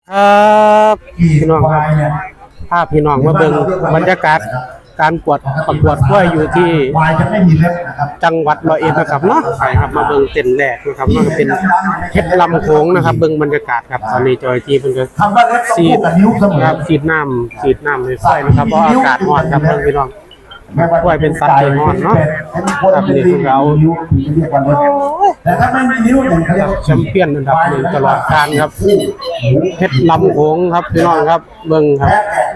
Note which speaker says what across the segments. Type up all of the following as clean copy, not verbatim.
Speaker 1: ครับพี่น้องครับภาพพี่น้องมาเบิ่งบรรยากาศการประกวดกล้วยอยู่ที่จังหวัดร้อยเอ็ดนะครับเนาะใช่ครับมาเบิ่งเต็นท์แรกนะครับเนาะเป็นเพชรลำโขงนะครับเบิ่งบรรยากาศครับตอนนี้จอยที่เพิ่นก็สีดครับสีดน้ำให้ไฟนะครับเพราะอากาศร้อนครับเบิ่งพี่น้องกล้วยเป็นสัตว์ที่ร้อนเนาะครับนี่คือเรา
Speaker 2: แต่ถ้าไม่มีนิ้วเนี่ยเขาเรียก
Speaker 1: แชมเปี้ยนอันดับหนึ่งตลอดกาลครับเพชรลำโขงครับพี่น้องครับเบิ่งครับ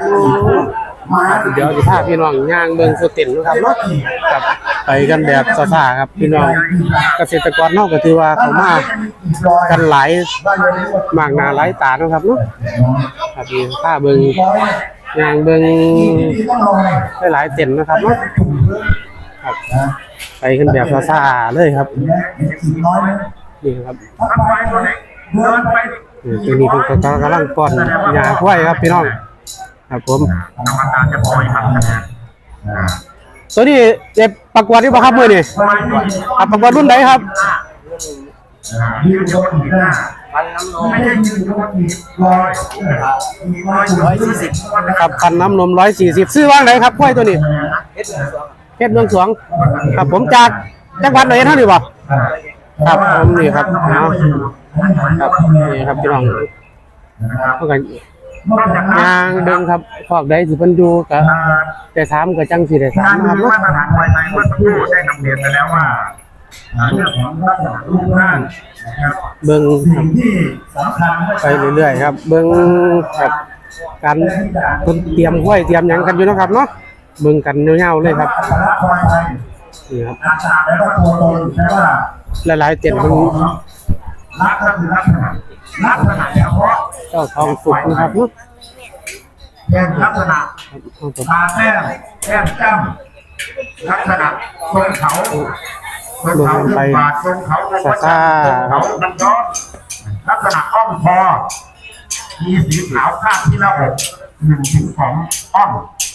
Speaker 1: เดี๋ยวจะพาพี่น้องย่างเบิ่งสเต็นนะครับเนาะครับไปกันแบบซ่าๆครับพี่น้องเกษตรกรเนาะก็ถือว่าเขามากันหลายมากหน้าหลายตานะครับเนาะครับนี่พาเบิ่งย่างเบิ่งหลายเต็นนะครับเนาะครับไปกันแบบซ่าๆเลยครับนี่ครับตัวนี้เป็นกำลังป้อนยาควายครับพี่น้องครับผมตัวนี้เจ็บประกวดที่บ่ครับมื้อนี้ประกวดรุ่นไหนครับครับคันน้ำนม140ซื้อว่างไหนครับควายตัวนี้เพชรเมืองสวงครับผมจากจังหวัดไหนเท่านี้บ่ครับผมนี่ครับครับนี่ครับพี่น้องเท่ากันยางเดินครับพอกได้สิเพิ่นอยู่ก็แต่ถามก็จังสิได้ถามนะครับเนาะเบิ่งไปเรื่อยๆครับเบิ่งครับการเพิ่นเตรียมห้วยเตรียมหยังกันอยู่นะครับเนาะเบิ่งกันยาวๆเลยครับนี่ครับหลายๆเต็นท์มันเจ้าทองสุกนะครับเนาะ
Speaker 2: แก้มลักษณะตาแก้มจ้ำลักษณะทรงเขา
Speaker 1: ไปซ่าๆครับ
Speaker 2: ลักษณะอ้อมคอมีสีขาวข้างที่หน้าอก1-2อ้อม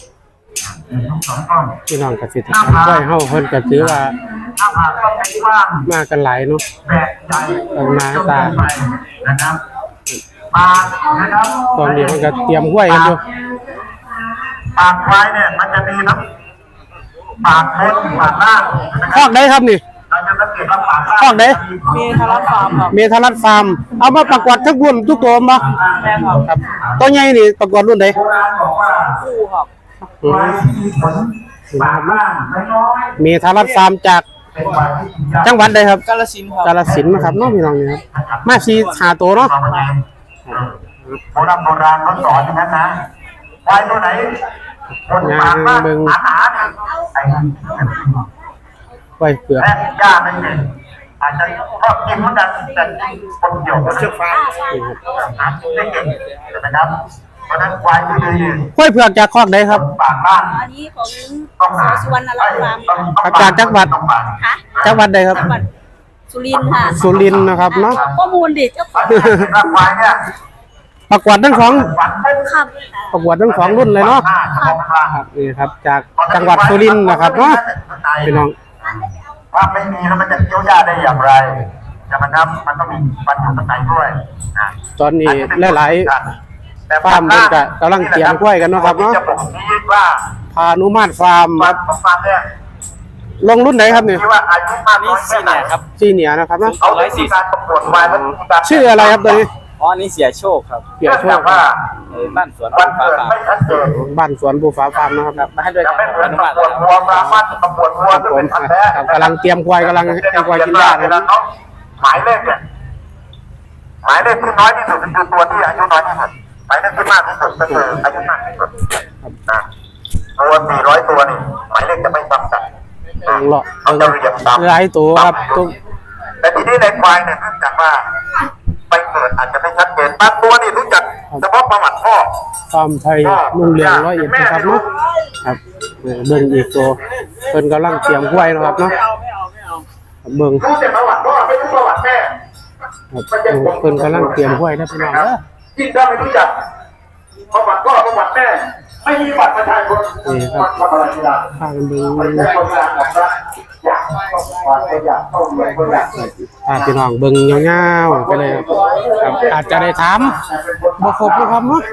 Speaker 1: พี่น้องเกษตรกรกล้วยเฮาเพิ่นก็ถือว่ามากันหลายเนาะต่างหน้าตา
Speaker 2: นะครับปากนะครับ
Speaker 1: ตอนนี้เพิ่นก็เตรียมกล้วยกันอยู่
Speaker 2: ปากควายเนี่ยมันจะมีทั้งปากบนปากล่าง
Speaker 1: คอกได้ครับนี่
Speaker 2: เราจะสังเกตว่าปากล่าง
Speaker 1: คอกได้
Speaker 3: เมทารัสฟาร์มครับ
Speaker 1: เมทารัสฟาร์มเอามาประกวดทุกรุ่นทุกตัวบ่
Speaker 3: แม่
Speaker 1: ครับตัวใหญ่นี่ประกวดรุ่นใด
Speaker 2: โบราณบอกว่า
Speaker 3: คู่ครับ
Speaker 2: ควายที่มีขนปากล่างน้อย
Speaker 1: เมทารัสฟาร์มจากจังหวัดใดครับ
Speaker 3: กาฬสินธุ์ครับ
Speaker 1: กาฬสินธุ์นะครับเนาะพี่น้องนี่ครับมาสิหาตัวเนาะ
Speaker 2: โบราณเขาสอนอย่างนั้นนะควายตัวไหนคนปากล่างหนาๆไอ้
Speaker 1: ไว้เปลือก
Speaker 2: แม่กล้าไม่เห็นอาจจะชอบกินเหมือนกันแต่คนเดียวก็เชื่อฟังหากินได้เก่งนะครับเพราะนั้นควายที่ดี
Speaker 1: กล้วยเผือกจากคอกใดครับ
Speaker 2: ปากล่าง
Speaker 3: อันนี้ของสุวรรณรัตน์ฟาร์ม
Speaker 1: จากจังหวัด
Speaker 3: ค่ะ
Speaker 1: จังหวัดใดครับ
Speaker 3: จังหวัดสุรินทร์ค่ะ
Speaker 1: สุรินทร์นะครับเนาะ
Speaker 3: ข้อมูลดิเจ้าของ
Speaker 2: ควายเนี่ย
Speaker 1: ประกวดทั้งสอง
Speaker 3: ครับ
Speaker 1: ประกวดทั้งสองรุ่นเลยเนาะครับนี่ครับจากจังหวัดสุรินทร์นะครับเนาะพี่น้อง
Speaker 2: ว่าไม่มีแล้วมันจะเคี้ยวยาได้อย่างไรจะมันครับมันต้องมีปัญหาข้างในด้วย
Speaker 1: ตอนนี้หลายๆฟาร์มมันก็กำลังเตรียมกล้วยกันเนาะครับเนาะพานุมาตรฟาร์มครับลงรุ่นไหนครับเนี่ย
Speaker 3: นี่ซีเนียครับ
Speaker 1: ซีเนียนะครับเนาะ
Speaker 3: ชื่
Speaker 1: ออะไรครับตัวนี้
Speaker 3: อ๋อนี่เสียโชคครับ
Speaker 1: เสียโชค
Speaker 2: ว่า
Speaker 3: บ้านสวนภูฟ้าฟาร์ม
Speaker 1: บ้านสวนภูฟ้าฟาร์มนะครับ
Speaker 3: มาให้ด้วยกันอนุมัติ
Speaker 2: วัวมามัดตำรวจวัวเป็นพันแท้
Speaker 1: กำลังเตรียมควายกำลังให้ควายกินหญ้านะครับ
Speaker 2: หมายเลขเนี่ยหมายเลขที่น้อยที่สุดคือตัวที่อายุน้อยที่สุดหมายเลขที่มากที่สุดก็คืออายุมากที่สุดตัว400ตัวนี่หมายเลขจะไม่ซ้ำกัน
Speaker 1: เอาจะเรียงตามหลายตัวครับ
Speaker 2: แต่ทีนี้ในควายเนี่ยเนื่องจากว่าไปเกิดอาจจะไม่ชัดเจนบางตัวนี่รู้จักเฉพาะประวัติพ่อ
Speaker 1: ฟาร์มไทยรุ่งเรือง101นะครับเนาะครับเบิ่งอีกตัวเพิ่นกำลังเตรียมกล้วยนะครับเนาะเบิ่ง
Speaker 2: รู้แต่ประวัติพ่อไม่รู้ประวัติแม่
Speaker 1: เพิ่นกำลังเตรียมกล้วยนะพี่น้องเด้อ
Speaker 2: ยิ่งถ้าไม่รู้จักประวัติพ่อประวัติแม่ไม่มีบัตรประชาชน
Speaker 1: นี่ครับ
Speaker 2: ทำอะไรไม่ได้
Speaker 1: พากันเบิ่ง
Speaker 2: ไม่ใช่คนงานของรัฐอยากต้องความอยากต้องเรียนก็อยาก
Speaker 1: พาพี่น้องเบิ่งยาวๆไปเลยครับอาจจะได้ถามบ่ครบนะครับเนาะ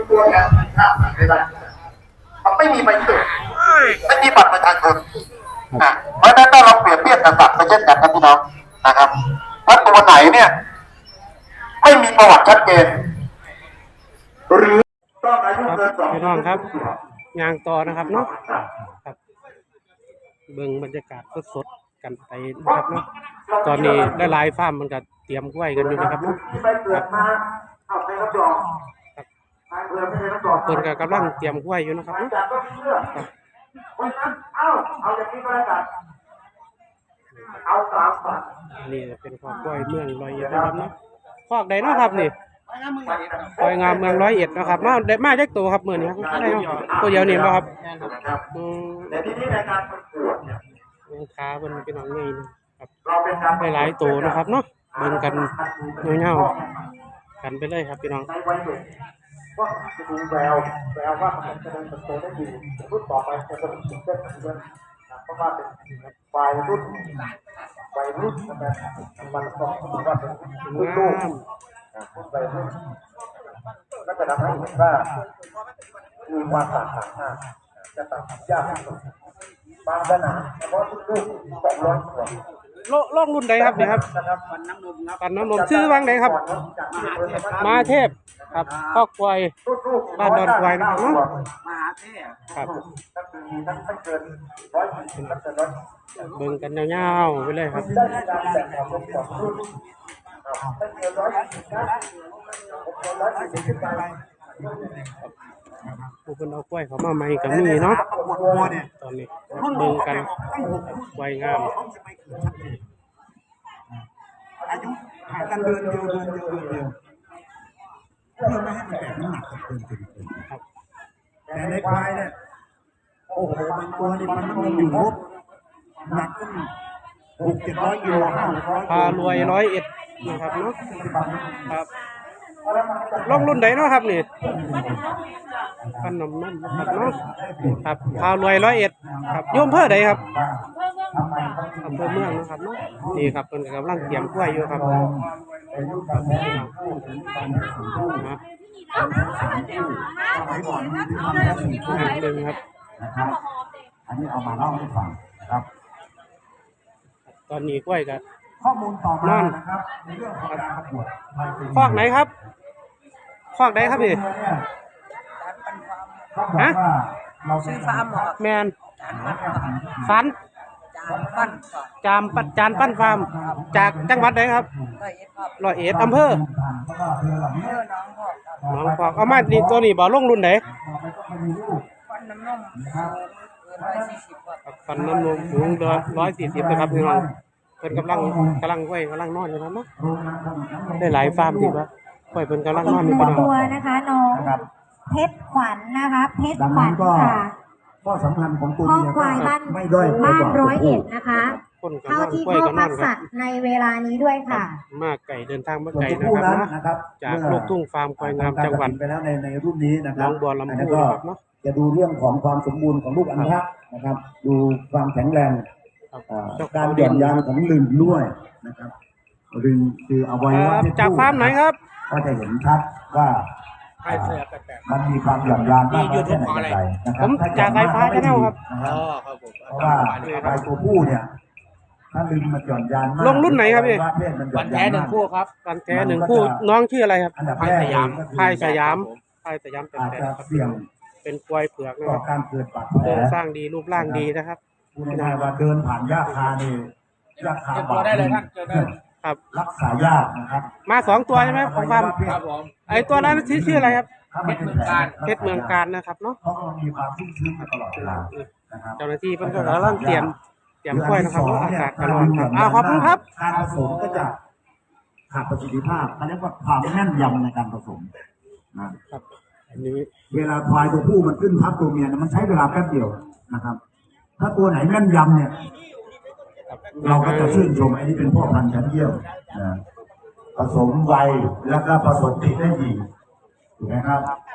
Speaker 2: ไม่มีใบเกิดไม่มีบัตรประชาชนนะเพราะฉะนั้นถ้าเราเปรียบเทียบกับสัตว์ไปเช่นกันนะพี่น้องนะครับว่าตัวไหนเนี่ย ไม่มีประวัติชัดเจนหรือต้องอายุ
Speaker 1: ครับ
Speaker 2: เกิน2
Speaker 1: พี่น้องครับยางต่อนะครับเนาะครับเบิ่งบรรยากาศสดๆกันไปนะครับเนาะตอนนี้หลายๆฟาร์มมันก็เตรียมกล้วยกันอยู่นะครับเนาะ
Speaker 2: ที่ใบเกิดมาเอาไปรับรองเพื่อไม่ได้รับรอง
Speaker 1: เพิ่นก็กำลังเตรียมกล้วยอยู่นะครับเนาะ
Speaker 2: จากก็เชื่อเพราะฉะนั้นเอาอย่างนี้ก็แล้วกันเอา3 บาท
Speaker 1: นี่เป็นคอกกล้วยเมืองร้อยเอ็ดนะครับเนาะคอกใดเนาะครับนี่คอยงามเมืองร้อยเอ็ดนะครับมาได้มาจากตัวครับมื้อนี้ครับได้เนาะตัวเดียวนี่บ่ครับอืม
Speaker 2: แต่ทีนี้ในการประกวดเนี่ย
Speaker 1: ขาเพิ่นพี่น้องใหญ่นะครับ
Speaker 2: เราเป็นการ
Speaker 1: หลายๆตัวนะครับเนาะเบิ่งกันเงาๆกันไปเลยครับพี่น้อง
Speaker 2: ในวัยเด็กว่าจะดูแววว่ามันจะเดินเติบโตได้ดีรุ่นต่อไปจะเป็นสิ่งที่เกิดเพราะว่าเป็นวัยรุ่นนะครับมันต้องว่าเป็นรุ่นลูกวัยรุ่นก็จะทำให้เห็นว่ามีความต่างกันจะตัดยากบางขนาดเฉพาะรุ่นลูก200 ตัว
Speaker 1: โลกรุ่นใดครับเนี่ยครับปันน้ำนมชื่อว่างใดครับมาเทพครับคอกกล้วยบ้านดอนกล้วยนะครับเนาะ
Speaker 3: มหาเทพ
Speaker 1: ครับ
Speaker 2: ก็คือมีทั้งไม่เกิน140ตั้งแต่100
Speaker 1: เบิ่งกันยาวๆไปเลยครับ
Speaker 2: ได้การแบ่งออกเป็น2 รุ่นไม่เกิน140นะ140ขึ้นไป
Speaker 1: ผู้คนเอากล้วยเขามาใหม่ก็มีเนาะตอนนี้เบิ่งกันกล้วยงาม
Speaker 4: อายุห่างกันเดือนเดียวเพื่อไม่ให้มันแบกน้ำหนักเกิน
Speaker 1: ครับ
Speaker 4: แต่ในควายเนี่ยโอ้โหบางตัวนี่มันอยู่ลบหนักขึ้น600-700 กิโล500
Speaker 1: พารวยร้อยเอ็ดนะครับเนาะครับลงรุ่นใดเนาะครับนี่ปันน้ำนมนะครับเนาะครับพารวยร้อยเอ็ดครับโยมเพื่อใดครับอำเภอเมืองนะครับเนาะนี่ครับเพิ่นกำลังเตรียมกล้วยอยู่ครับนะเบิ่งครับ
Speaker 4: นะครับอันนี้เอามาเล่าให้ฟังนะครับ
Speaker 1: ตอนนี้กล้วยก็
Speaker 4: ข้อมูลต่อมานะครับในเรื่องของการประกวด
Speaker 1: คอกไหนครับคอกใดครับนี่
Speaker 4: ฮะเรา
Speaker 5: ชื่อฟาร์มหมอ
Speaker 1: แมนสัน
Speaker 5: จานปั้นก่อน
Speaker 1: จานปั้นฟาร์มจากจังหวัดไหนครับ
Speaker 5: ร้อยเอ็ดครับ
Speaker 1: ร้อยเอ็ดอำเภอ
Speaker 5: เมื่อน้องพ่อครับ
Speaker 1: หนองพอกเอามานี่ตัวนี้บ่ลงรุ่นไหน
Speaker 5: ฟันน้ำนมเกิน140ครับ
Speaker 1: ฟันน้ำนมสูง140นะครับพี่น้องเพิ่นกำลังไว้กำลังนอนอยู่ครับเนาะได้หลายฟาร์มดีป่ะกล้วยเพิ่นกำลังนอนอยู่พี่น้อง
Speaker 6: ตัวนะคะน้องเพชรขวัญนะคะเพชรขวัญค่ะ
Speaker 4: ข้อสำคัญของตัว
Speaker 6: ข้อ
Speaker 4: เมีย
Speaker 6: ควายบ้าน
Speaker 4: ไม่ด้อย
Speaker 6: บ้าน
Speaker 4: กว่
Speaker 6: ร้อย
Speaker 4: ตัว
Speaker 6: เอ็
Speaker 4: ผู้
Speaker 6: ดนะคะ
Speaker 1: คนกำ
Speaker 6: เท่า
Speaker 1: ลัง
Speaker 6: ที่
Speaker 1: กล้วย
Speaker 6: พ่อ
Speaker 1: ก็น
Speaker 6: พั
Speaker 1: อน
Speaker 6: ก
Speaker 1: ครั
Speaker 6: สั
Speaker 1: บ
Speaker 6: ตว์ในเวลานี้ด้วยค่ะ
Speaker 1: มาไก่เดินทางมา
Speaker 4: ส่วน
Speaker 1: ไก่
Speaker 4: ตัว
Speaker 1: นะ
Speaker 4: ผู้
Speaker 1: ครับ
Speaker 4: นั้น
Speaker 1: นะ
Speaker 4: นะครับ
Speaker 1: จากลูกทุ่งฟาร์มควายงามจังหวัด
Speaker 4: ไปแล้วในรุ่นนี้นะค
Speaker 1: น้
Speaker 4: รั
Speaker 1: อบ งบัวลำ
Speaker 4: อัน
Speaker 1: พู
Speaker 4: นี้ก็
Speaker 1: นะครับเนาะ
Speaker 4: จะดูเรื่องของความสมบูรณ์ของลูกอัณฑะนะครับ ดูความแข็งแรง
Speaker 1: ครับ
Speaker 4: การหย่อนยานของลึงด้วยนะครับลึงคืออวัยวะเพศ
Speaker 1: จากฟาร์มไหนครับ
Speaker 4: ก็จะเห็นชัดว่ามันมีความหย่อนยานมากน้อยแค่ไหนอย่างไรนะค
Speaker 1: ผ
Speaker 4: รับ
Speaker 1: ม
Speaker 4: ถ้า
Speaker 1: จากสายฟ้า Channel ครับ
Speaker 4: นะครับเพราะว่าควายตัวผู้เนี่ยถ้าลึงมันหย่อนยานมาก
Speaker 1: ลงรุ่นไหนครับพี่
Speaker 4: อวัยวะเพศมันหย่อนยานมาก
Speaker 1: กันแท้หนึ่งคู่น้องชื่ออะไรครับ
Speaker 4: อันดับแรกเลยก็คือ
Speaker 1: พายสยามเป็น
Speaker 4: อาจ
Speaker 1: แท้
Speaker 4: จะ
Speaker 1: ครับ
Speaker 4: เสี่ยง
Speaker 1: เป็นควายเผือกนะ
Speaker 4: ต่
Speaker 1: ค
Speaker 4: อ
Speaker 1: รับ
Speaker 4: การเกิดบาดแผ
Speaker 1: โค
Speaker 4: ล
Speaker 1: รงสร้างดีรูปร่างดีนะครับ
Speaker 4: พูดง่ายๆว่าเดินผ่านหญ้าคานี่หญ้าคาบาด
Speaker 1: ครับ
Speaker 4: รักษายากนะครับ
Speaker 1: มา2 ตัวใช่ไหมของฟาร์ม
Speaker 4: ครับผม
Speaker 1: ไอตัวนั้นชื่ออะไรครับ
Speaker 4: ถ้ามันเป็นแผล
Speaker 1: เพชรเมืองการนะครับเนาะ
Speaker 4: เพราะมันมีความชุ่มชื้นมาตลอดเวลานะครับ
Speaker 1: เจ้าหน้าที่เพิ่นก็กำลังเตรียมกล้วยนะครับเพราะอากาศก็ร้อนครับขอบคุณครับ
Speaker 4: การผสมก็จะขาดประสิทธิภาพเขาเรียกว่าความแม่นยำในการผสมนะครับ
Speaker 1: อันนี้
Speaker 4: เวลาควายตัวผู้มันขึ้นทับตัวเมียเนี่ยมันใช้เวลาแป๊บเดียวนะครับ ถ้าตัวไหนแม่นยำเนี่ย เราก็จะชื่นชมอันนี้เป็นพ่อพันธุ์ชั้นเยี่ยมนะผสมไวแล้วก็ผสมติดได้ดีถูกไหมครับ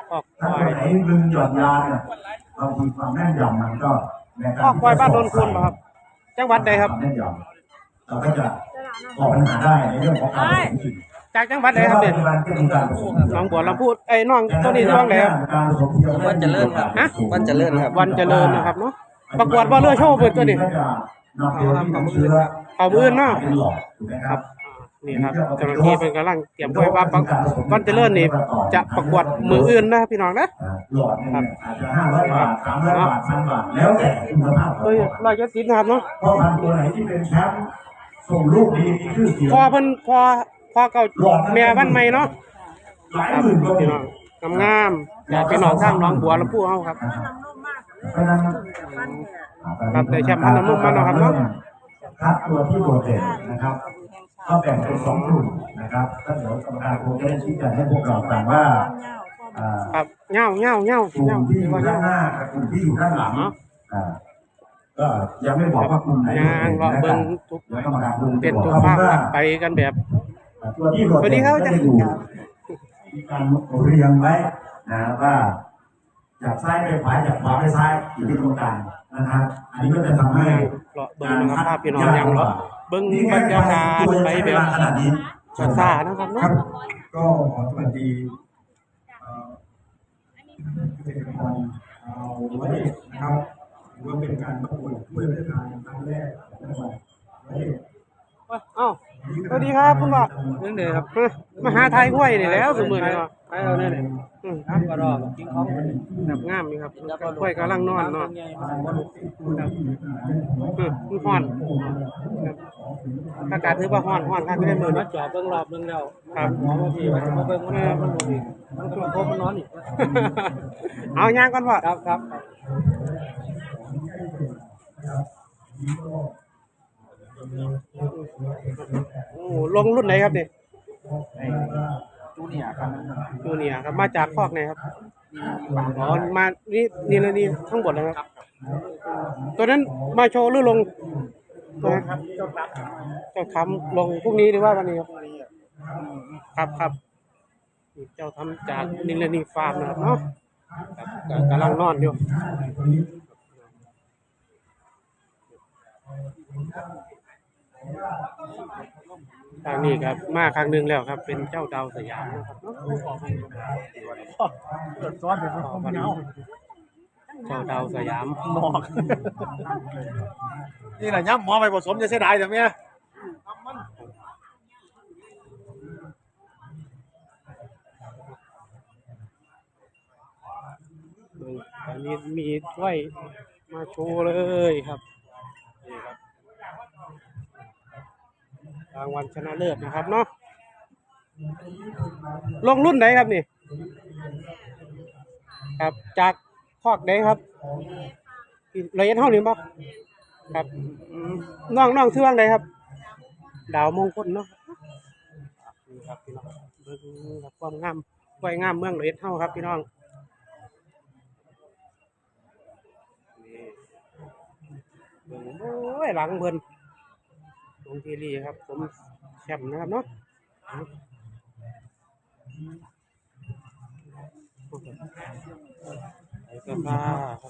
Speaker 1: คอกค
Speaker 4: ถ้าว
Speaker 1: า
Speaker 4: ตัวย ไหนดึงหย่อนยานเนี่ยบางทีความแม่นยำมันก็ในกร
Speaker 1: คอกควายบ้านโนนคุณเหรอครับจังหวัดใดครับ
Speaker 4: วามแม่นยำเราก็จะก่อปัญหาได้ในเรื่องของการผสมจริง
Speaker 1: จากจังหวัดใดครับเนี่ย
Speaker 4: ปัจจุบันก็มีการผสม
Speaker 1: น้องบัวลำพูไอ้น้องตัวนี้ช่วงไหนครับ
Speaker 4: การผสมเทียม
Speaker 3: วันเจริญครับ
Speaker 1: ฮะ
Speaker 3: วันเจริญครับ
Speaker 1: วันเจริญนะครับเนาะประกวดว่าเรือโชว์เปิดตัวนี้
Speaker 4: นำตัวที่นำเชื้อ
Speaker 1: เอามือเนาะ
Speaker 4: เป็นหลอดถูกไหมครับ
Speaker 1: นี่ครับเจ้าหน้าที่เป็นกำลังเตรียมไว้ว่าวันเจริญนี่จะประกวดมืออื่นนะพี่น้องนะ
Speaker 4: หลอดเนี่ยอาจจะ500 บาท300 บาท1,000 บาทแล้วแต่คุณภาพของ
Speaker 1: เฮ้ย170นะครับเนาะ
Speaker 4: พ่อพันธุ์ตัวไหนที่เป็นแชมป์ส่งลูกดีมีชื่อเสียง
Speaker 1: พอเพิ่นพอเก่าแม่บ้านใหม่เนาะ
Speaker 4: หลาย
Speaker 1: ครับ
Speaker 4: หมื่นก็มี
Speaker 1: พี่น้องงามๆอยากพี่น้องทางน้องบัวลำพูเฮาครับ
Speaker 4: เพราะฉะนั้น
Speaker 1: ครับแต่แชมป์พันธุ์น้ำนุ่มมาเนาะครับเนาะ
Speaker 4: คัดตัวที่โดดเด่นนะครับ ก็แบ่งเป็น2กลุ่มนะครับถ้าเดี๋ยวกรรมการคงจะได้ชี้แจงให้พวกเราฟังว่าอ่า
Speaker 1: ครับเงาก
Speaker 4: ลุ่มที่อยู่ด้านหน้ากับกลุ่มที่อยู่ด้านหลังอ่าก็ยังไม่บอกว่ากลุ่มไหน
Speaker 1: ย่างเลาะเบิ่งทุก
Speaker 4: แล้วกรรมการคง
Speaker 1: เป็น
Speaker 4: จะ
Speaker 1: ทุ
Speaker 4: บ
Speaker 1: ก
Speaker 4: อก
Speaker 1: ภาค
Speaker 4: ว่า
Speaker 1: ไปกันแบบ
Speaker 4: ตัวที่โดด
Speaker 1: สวัสดี
Speaker 4: เด่น
Speaker 1: ครับ
Speaker 4: ก็
Speaker 1: อาจาร
Speaker 4: จะ
Speaker 1: ย์
Speaker 4: อยู่มีการเรียงไว้นะว่าจากซ้ายไปขวาจากขวาไปซ้ายอยู่ที่ตรงกลางนะครับอันนี้ก็จะทำให้
Speaker 1: เลาะเบิ่งนะครับภาพพี่น้องอย่างเลาะเบิ่งบรรยากาศไปแบบ
Speaker 4: ขนาดนี้
Speaker 1: ซ่าๆนะครับเนาะ
Speaker 4: ก็ขอสวัสดีเกษตรกรเอาไว้นะครับถือว่าเป็นการประกวดถ้วยพระราชทานครั้งแรกของจังหวัดร้อยเอ็ด
Speaker 1: อ้าวสวัสดีครับคุณพ่อเรื่องเด้อครับมาหาไทยกล้วยนี่แล้วสมือนี่เนาะไทยเอาเนี่ยครับก็รอกินของแบบงามนี่ครับกล้วยกำลังนอนเนาะฮ้อนอากาศถือว่าฮ้อนครับไม่ได้มือนะจอเบิ่งรอบนึงแล้วครับหมอมาพี่มาเบิ่งมันบ่ดีมันก็มาพบมันนอนอีกเอาย่างก่อนพ่อครับโอ้ลงรุ่นไหนครับเนี่ย
Speaker 3: จูเนียร์ครับ
Speaker 1: จูเนียร์ครับมาจากคอกไหนครับอ๋อมานี่เลยนี่ข้างบนเลยครับตัวนั้นมาโชว์หรือลงตัวนั้นเจ้าทำลงพรุ่งนี้หรือว่าวันนี้ครับเจ้าทำจากนิลนีฟาร์มนะครับเนาะครับกำลังนอนอยู่ทางนี้ครับมาครั้งหนึ่งแล้วครับ เป็นเจ้าดาวสยามนะครับเนาะเจ้าดาวสยามหมอก
Speaker 3: นี่แหละย่ำหมอไปผสมจะเสียดายแต่เมีย
Speaker 1: อันนี้มีถ้วยมาโชว์เลยครับนี่ครับรางวัลชนะเลิศนะครับเนาะลงรุ่นไหนครับนี่ครับจากคอกไหนครับละเอียดเท่านี้ป่ะครับน้องชื่อว่าไหนครับ ดาวมงคลเนาะนี่ครับพี่น้องเบิ่งครับความงามกล้วยงามเมืองละเอียดเท่าครับพี่น้องเบิ่งโอ้ยหลังเบิ่นลงทีรีครับผมแชมป์นะครับเนาะไอ้เสื้อผ้าครับ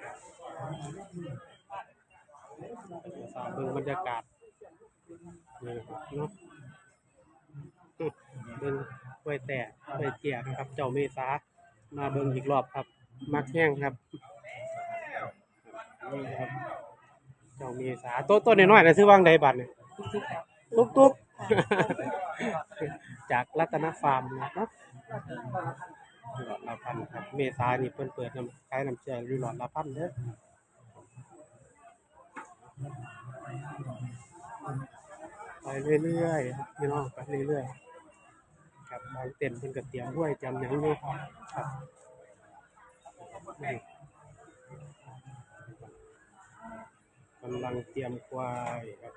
Speaker 1: เบิ่งบรรยากาศนี่ครับเนาะเบิ่งกล้วยแต่กล้วยเจียนะครับ เจ้าเมษามาเบิ่งอีกรอบครับมักแห้งครับนี่ครับเจ้าเมษาต้นน้อยๆนะซื้อวางใดบัตรเนี่ยตุ๊กจากรัตนฟาร์มนะครับหลอดละพันครับเมษานี่เปิดน้ำขายน้ำเชื่อหลอดละพันเด้อไปเรื่อยๆครับพี่น้องไปเรื่อยๆครับบางเต็นท์เพิ่นก็เตรียมด้วยเตรียมหยังอยู่ครับนี่กำลังเตรียมควายครับ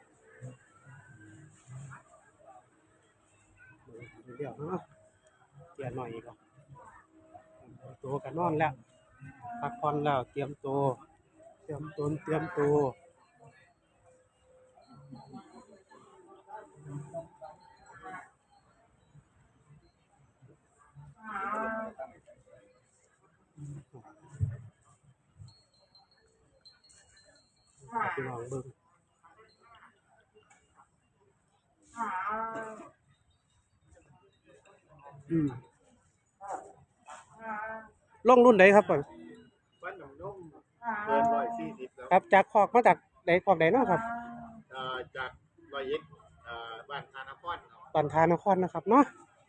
Speaker 1: เดี๋ยวเตรียมหน่อยก่อนตัวกันนอนแล้วพักผ่อนแล้วเตรียมตัวเตรียมตัวพี่น้องเบิ่งลงรุ่นไหนครับก่อน
Speaker 3: บ้านหนองนุ่มเกิน140แล้ว
Speaker 1: ครับจากคอกมาจากไหนคอกไหนเนาะครับ
Speaker 3: จาก100 เอ็ดบ้านธานคร
Speaker 1: ปันธานครนะครับเนาะ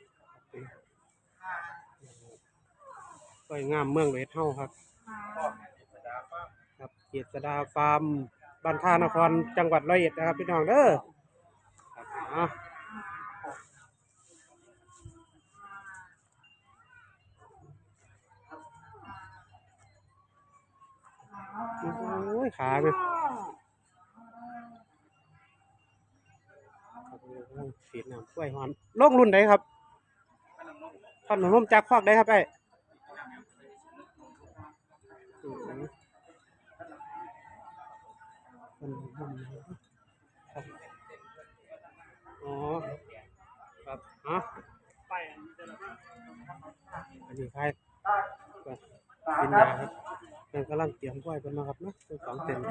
Speaker 1: สวยงามเมืองเวทเฮาครับครับเกียรติดาฟาร์มบ้านธานครจังหวัดร้อยเอ็ดนะครับพี่น้องเด้อครับโอ้ยขาเนี่ยสีน้ำกล้วยหอมลงรุ่นไหนครับพันหนุ่มจากคอกได้ครับไอ้อ๋อครับอ๋ออันนี้ใครกินยาครับยังกำลังเตรียมกล้วยเป็นนะครับนะเป็น2 เต็ม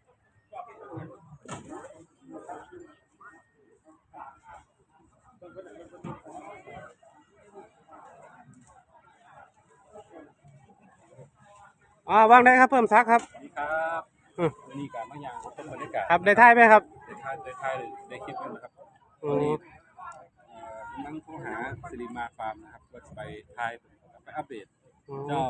Speaker 1: วางได้ครับเพิ่มซักครับ
Speaker 7: สวัสดีครับวันนี้การมาอย่างต้นบรรยากาศ
Speaker 1: ครับได้ท่ายไหมครับ
Speaker 7: ได้ทายได้คลิปกันนะครับ
Speaker 1: อ๋
Speaker 7: วันนี้
Speaker 1: อ
Speaker 7: กำลังโทรหาสิริมาฟาร์มนะครับว่าจะไปทายไปอัปเดตเจ้า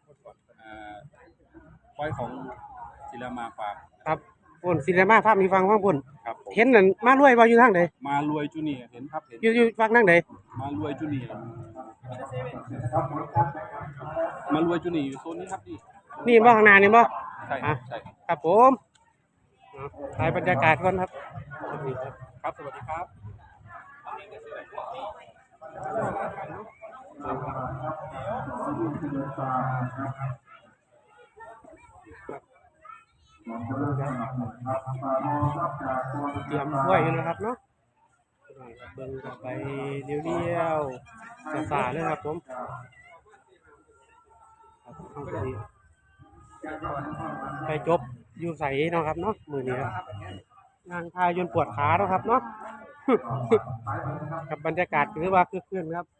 Speaker 7: ควายของสิริมาฟาร์ม
Speaker 1: ครับปุ่นซินีมาภาพมีฟังฟังปุ่น
Speaker 7: ครับผม
Speaker 1: เห็นนั่นมารวยบ่อยู่ทางใด
Speaker 7: มารวยจูเนียร์เห็นครับเห็น
Speaker 1: อยู่ฟังทางใด
Speaker 7: มารวยจูเนียร์มารวยจูเนียร์อยู่โซนนี้ครับนี่
Speaker 1: นี่บ่ข้างหน้านี่บ่
Speaker 7: ใช่ครับใช่ครับ
Speaker 1: ครับผมถ่ายบรรยากาศก่อนครับนี่ครับ
Speaker 7: ครับสวัสดีครับ
Speaker 1: เตรียมกล้วยอยู่นะครับเนาะเบิ่งกันไปเรียวๆสาๆเลยครับผมครับเอาไปไปจบอยู่ใสเนาะครับเนาะมือนี้ครับนางพายนปวดขาเนาะครับเนาะ กับบรรยากาศถือว่าคึกคืนครับ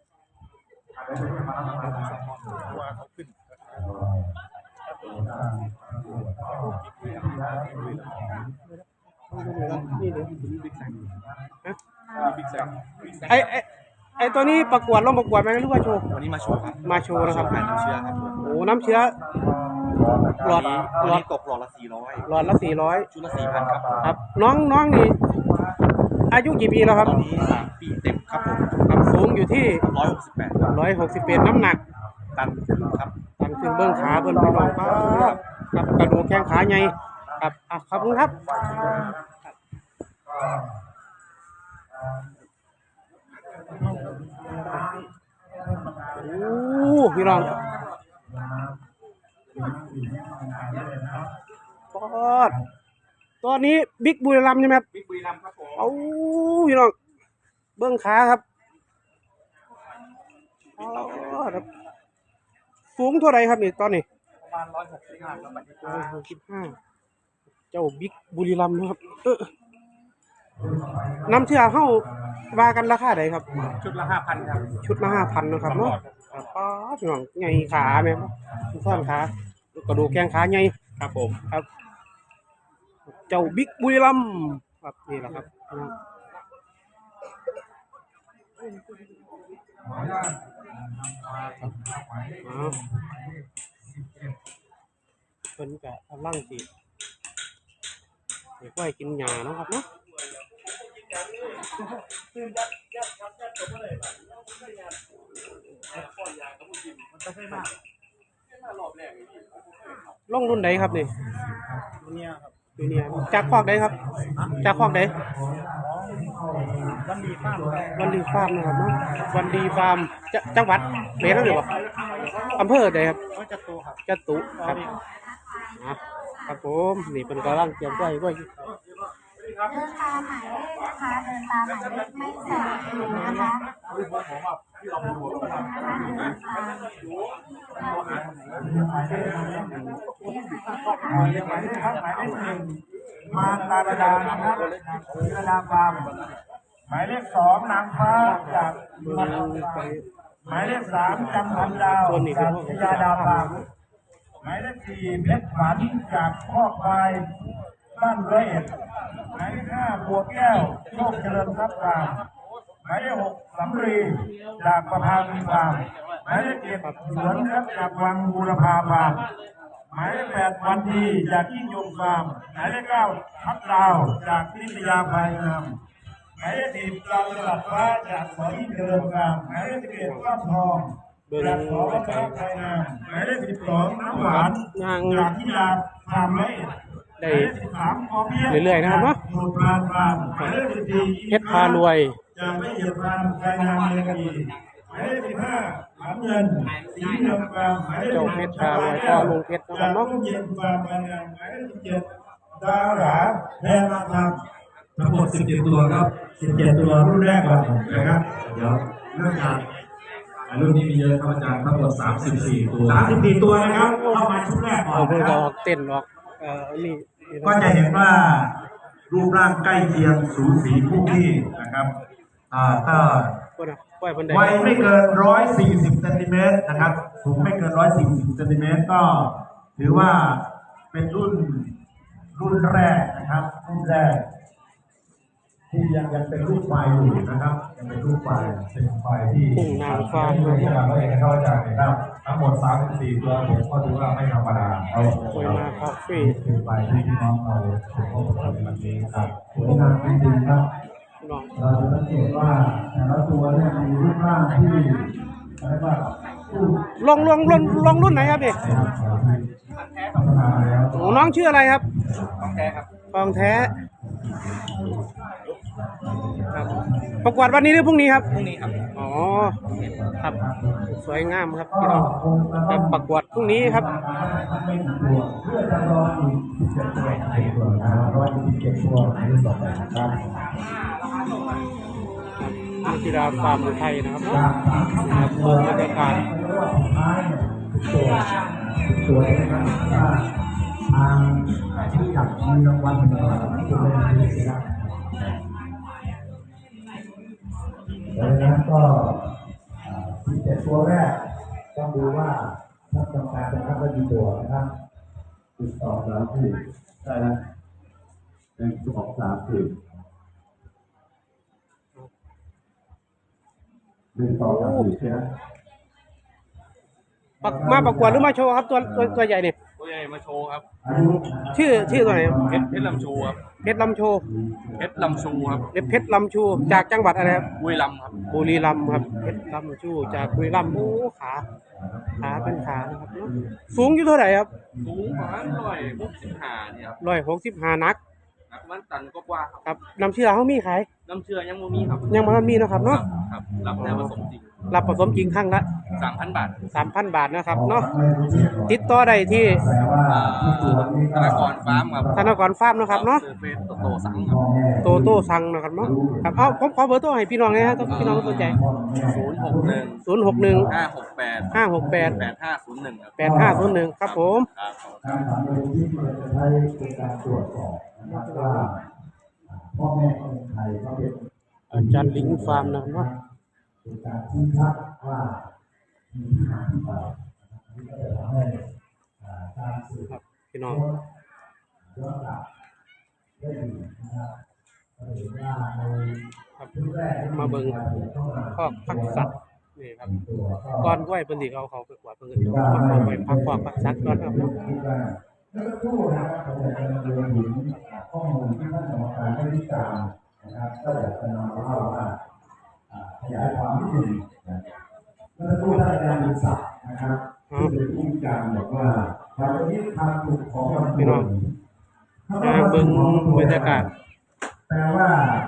Speaker 1: นี่เดี๋ยวไอตัวนี้ประกวดลงประกวดไหมหรือว่าโชว์
Speaker 3: วันนี้มาโชว์ครับ
Speaker 1: มาโชว์นะครับ
Speaker 3: ขายน้ำเชื้อครับ
Speaker 1: โอ้น้ำเชื้อหลอด
Speaker 3: วันนี้ตกหลอดละ400
Speaker 1: หลอดละ400
Speaker 3: ชุดละ4,000ครับผม
Speaker 1: ครับน้องนี่อายุกี่ปีแล้วครับ
Speaker 3: ตอนนี้3 ปีเต็มครับผม
Speaker 1: ครับสูงอยู่ที่
Speaker 3: 168ครับ
Speaker 1: 161น้ำหนัก
Speaker 3: ตันถึงครับ
Speaker 1: ตันถึงเบื้องขาเบื้องพี่น้องครับครับกระดูกแข้งขาใหญ่ครับขอบคุณครับโอ้พี่น้องปอดตัวนี้บิ๊กบุรีรัมย์ใช่ไหมครับ
Speaker 3: บิ๊กบุรีรัมย์ครับผม
Speaker 1: เอาพี่น้องเบื้องขาครับอ๋อครับสูงเท่าไรครับนี่ตอนนี้
Speaker 3: ประมาณ165แล้วบัดนี้
Speaker 1: 165เจ้าบิ๊กบุรีรัมย์นะครับน้ำเชื่อเข้าว่ากันราคาใดครับ
Speaker 3: ชุดละ 5,000ครับ
Speaker 1: ชุดละ5,000นะครับเนาะป้าพี่น้องใหญ่ขาแม่ทุกท่อนขากระดูกแข้งขาใหญ่
Speaker 3: ครับผม
Speaker 1: ครับ เจ้าบิ๊กบุรีรัมย์ครับนี่แหละครับเพิ่นก็กำลังสิให้ควายกินหญ้าเนาะครับเนาะลงรุ่นใดครับนี่เนี่ยครับเนี่ยจากคอกใดครับจากคอกใดวันดีฟาร์มนะครับเนาะวันดีฟาร์มจังหวัดเบสหรือเปล่าอำเภอใดครับจตุครับครับผมนี่เป็นกำลังเตรียมไว้
Speaker 6: เดินตามหมายเลขนะคะเดินตามหมายเลขไม่แสงนะคะ
Speaker 1: ค
Speaker 4: หมายเลขครับหมายเลขหนึ่งมาตาดานะครับตาดาฟาร์มหมายเลขสองนางฟ้าจากหมายเลขสามจันทร์ดาวจากพิยาดาฟาร์มหมายเลขสี่เพชรฝันจากคอกควายบ้านร้อยเอ็ดหมายเลขห้าบัวแก้วโชคเจริญทรัพย์ฟาร์มหมายเลขหกสำรีจากประภาวีฟาร์มหมายเลขเจ็ดสวนครับจากวังบูรพาฟาร์มหมายเลขแปดวันดีจากยิ่งยงฟาร์มหมายเลขเก้าทับดาวจากนิตยาภายงามหมายเลข10เราสลัดฟ้าจากสอยิ่งเจริญฟาร์มหมายเลข11ก้อนทองจากสอวัฒนภายงามหมายเลข12น้ำหวานจากทิยาฟาร์มร้อยเอ็ด
Speaker 1: ได้
Speaker 4: 13พอเพียง
Speaker 1: เรื่อยๆนะครับเนาะ
Speaker 4: โนดพรานฟาร์มหมายเลข14
Speaker 1: เพชรพารวย
Speaker 4: จากละเอียดฟาร์มภายงามเมืองดีหมายเลข15หลานเงินสีเมืองฟาร์มหมายเลข
Speaker 1: เจ้าเพชรพารวยพ่อลุงเพชรนะค
Speaker 4: จา
Speaker 1: รับ
Speaker 4: ก
Speaker 1: เนาะ
Speaker 4: ร่มเย็นฟาร์มภายงามหมายเลข17ดาราแพรมาฟาร์มทั้งหมด17ตัวครับ17ตัวรุ่นแรกก่อนนะครับ เดี๋ยวเริ่มจากรุ่นนี้มีเยอะครับอาจารย์ทั้งหมด34ตัว34ตัวนะครับเข้ามาชุดแรกก่อน
Speaker 1: เอาเพื่อ
Speaker 4: นะค
Speaker 1: จะ
Speaker 4: รับ
Speaker 1: ออกเต้นออกนี่
Speaker 4: ก็จะเห็นว่ารูปร่างใกล้เคียงสูสีคู่ที่นะครับก็
Speaker 1: คนอ่ะปล่อยบันได
Speaker 4: วัยไม่เกิน140เซนติเมตรนะครับสูงไม่เกิน140เซนติเมตรก็ถือว่าเป็นรุ่นแรกนะครับรุ่นแรกที่ยังเป็นรูปไฟอยู่นะครับยังเป็นรูปไฟเป็นไฟที่
Speaker 1: พุ่งนางฟ้า
Speaker 4: ไม่ใช่การเองเข้าใจนะครับทั้งหมด34ตัวผมก็ถือว่าไม่ธรรมดาเอา
Speaker 1: สวยมากครับฟรี
Speaker 4: เป็นไฟที่พี่น้องเราถือว่าเป็นวันนี้ครับสวยงามจริงๆครับ
Speaker 1: น้อง
Speaker 4: เราจะสังเกตว่าแต่ละตัวเนี่ยมีรูปร่างที่เรียกว่า
Speaker 1: ลงรุ่นไหนครับพี่
Speaker 4: พัฒนาแล้ว
Speaker 1: โอ้น้องชื่ออะไรครับทองแท้ครับประกวดวันนี้หรือพรุ่งนี้ครับพรุ่งนี้ครับอ๋อครับสวยงามครับพี่น้องครับประกวดพรุ่งนี้ครับ
Speaker 4: ไม่กี่ตัวเพื่อจะรออีก17ตัว127ตัวในรุ่นต่อไปนะครับ
Speaker 1: นักกีฬาฟาร์มไทยนะครับ
Speaker 4: จาก30ตัว
Speaker 1: บรรยากาศ
Speaker 4: สุดท้ายเนี่ยตัวนะครับทางที่จับมีรางวัลเป็นรางวัลที่เป็นรางวัลนะครับดังนั้นก็17ตัวแรกต้องดูว่าท่านกรรมการจะคัดได้กี่ตัวนะครับติดต่อแล้วที่ได้แล้ว1 2 3 4 1 2 3 4ใช่ไหม
Speaker 1: มาประกวดหรือมาโชว์ครับตัวใหญ่เนี่ย
Speaker 7: ตัวใหญ่มาโชว์ครับ
Speaker 1: ชื่อตัวไหนครับ
Speaker 7: เพชรลำชูครับ
Speaker 1: เพชรลำโชว์
Speaker 7: เพชรลำชูครับ
Speaker 1: เพชรลำชูจากจังหวัดอะไรครับ
Speaker 7: บุรีรัมย์ครับ
Speaker 1: บุรีรัมย์ครับเพชรลำชูจากบุรีรัมย์โอ้ขาเป็นขานะครับเนอะสูงอยู่เท่าไหร่ครับ
Speaker 7: สูงประมาณ165เนี่ยครับ
Speaker 1: 165นัก
Speaker 7: นักมันตันก็กว่าครับ
Speaker 1: ครับน้ำเชื่อเขามีขาย
Speaker 7: น้ำเชื่อยังไม่มีครับ
Speaker 1: ยังไม่มีนะครับเนาะ
Speaker 7: ครับรับแต่ผสมจริง
Speaker 1: รับผสมจริงครั้งละ
Speaker 7: 3,000 บาท
Speaker 1: 3,000 บาทนะครับเนาะติดต่อได้ที่
Speaker 7: ธนากรฟาร์มครับ
Speaker 1: ธนากรฟาร์มนะครับเนาะ
Speaker 7: เฟซโตสั่งครับ
Speaker 1: โตโต้สั่งนะครับเนาะครับเอาผมขอเบอร์โทรให้พี่น้องเลยฮะถ้าพี่น้องสนใจ
Speaker 7: 061
Speaker 1: 061
Speaker 7: 568
Speaker 1: 568
Speaker 7: 8501ครับ
Speaker 1: 8501ครับผม
Speaker 7: ครับ
Speaker 4: การทำในที่เราจะใช้เป็นการตรวจสอบนะครับว่าพ่อแม่คนไทยเขาเป็น
Speaker 1: อาจารย์ลิงฟาร์มนะครับเนาะ
Speaker 4: เป็นการชี้ชัดว่ามีที่มาที่ไปนี่ก็จะทำให้การสืบ
Speaker 1: ครับพี่น้อง
Speaker 4: ย้อนหลังได้ดีนะครับก็เห็นว่าใน
Speaker 1: ครับ
Speaker 4: ชุดแรก
Speaker 1: มาเบิ่งข้อพักสัตว์นี่ครับ
Speaker 4: ตัวก็
Speaker 1: ก่อนไหวเพิ่นสิเขาไปกวาดเพิ่นก็สิเอามาเข้าไปพักข้อพักสัตว์ก่อนครับ
Speaker 4: คิดว่าเมื่อสักครู่นะครับผมอยากจะนำเรียนถึงข้อมูลที่ท่านกรรมการได้วิจารณ์นะครับก็อยากจะนำมาเล่าว่าขยายความนิดหนึ่งนะเมื่อสักครู่ท่านอาจารย์วิศักดิ์นะครับที่เป็นผู้วิจารณ์บอกว่าการยึดทางถูกของลำ
Speaker 1: พี่น้องเบิ่งบรรยากาศ
Speaker 4: แปลว่า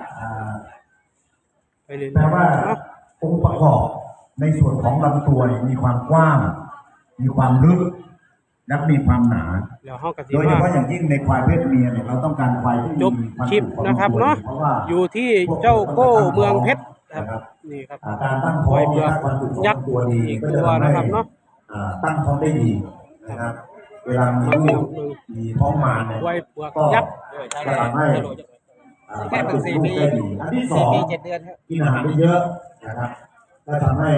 Speaker 1: ไปเรื่อย
Speaker 4: แปลว่า
Speaker 1: ๆเนาะ
Speaker 4: องค์ประกอบในส่วนของลำตัวเนี่ยมีความกว้าง มีความลึกและมีความหนา
Speaker 1: แล้วเฮาก็สิ
Speaker 4: โดยเฉ
Speaker 1: ว่า
Speaker 4: พาะอย่างยิ่งในควายเพศเมียเนี่ยเราต้องการควายที่
Speaker 1: จบ
Speaker 4: มีความ
Speaker 1: คลิป
Speaker 4: สุขของ
Speaker 1: นะครับ
Speaker 4: ตัว
Speaker 1: เนาะ
Speaker 4: เพราะว่า
Speaker 1: อยู่ที่เจ้าโก้เมืองเพชรครับนี่ครับ
Speaker 4: การตั้งท้อง
Speaker 1: เผือก
Speaker 4: ถ้าความสุขของ
Speaker 1: ยักษ์
Speaker 4: ตัวดี
Speaker 1: อีก
Speaker 4: ก็
Speaker 1: ตั
Speaker 4: จะ
Speaker 1: ว
Speaker 4: ทำให้
Speaker 1: นะครับเนาะ
Speaker 4: ตั้งท้องได้ดีนะครับ เวลามีลูกมีท้องมาเนี่ย
Speaker 1: กล้วยเปลือก
Speaker 4: ก็
Speaker 1: ยักษ์
Speaker 4: จะทำให้
Speaker 5: แค่เพิ่ง4 ปี
Speaker 4: ได้ดีอันที่สอง
Speaker 5: 4 ปี 7 เดือนครับ
Speaker 4: กินอาหารได้เยอะนะครับและทำให้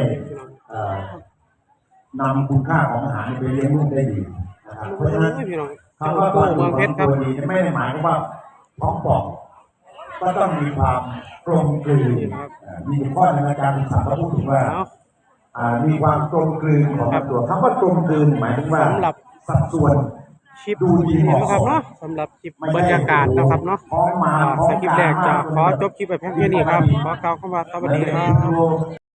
Speaker 4: นำคุณค่าของอาหารไปเลี้ยงลูกได้ดีนะครับเพราะฉะนั้น
Speaker 1: พี่น้อง
Speaker 4: คำว่า
Speaker 1: โก้เมืองเพชรครับ
Speaker 4: ตัวดีไม่ได้หมายความว่าท้องป่องก็ต้องมีความกลมกลืนมีข้อหนึ่งอาจารย์ศึกษาเขาพูดถึงว่ามีความกลมกลืนของตัวคำว่ากลมกลืนหมายถึงว่า
Speaker 1: สำหรับ
Speaker 4: สัดส่วน
Speaker 1: คลิปนี้นะครับเนาะสำหรับคลิปบรรยากาศนะครับเนาะสคลิปแรกจะขอจบคลิปไปเพียงแค่นี้ครับขอกล่าวคำว่าสวัสดีครับ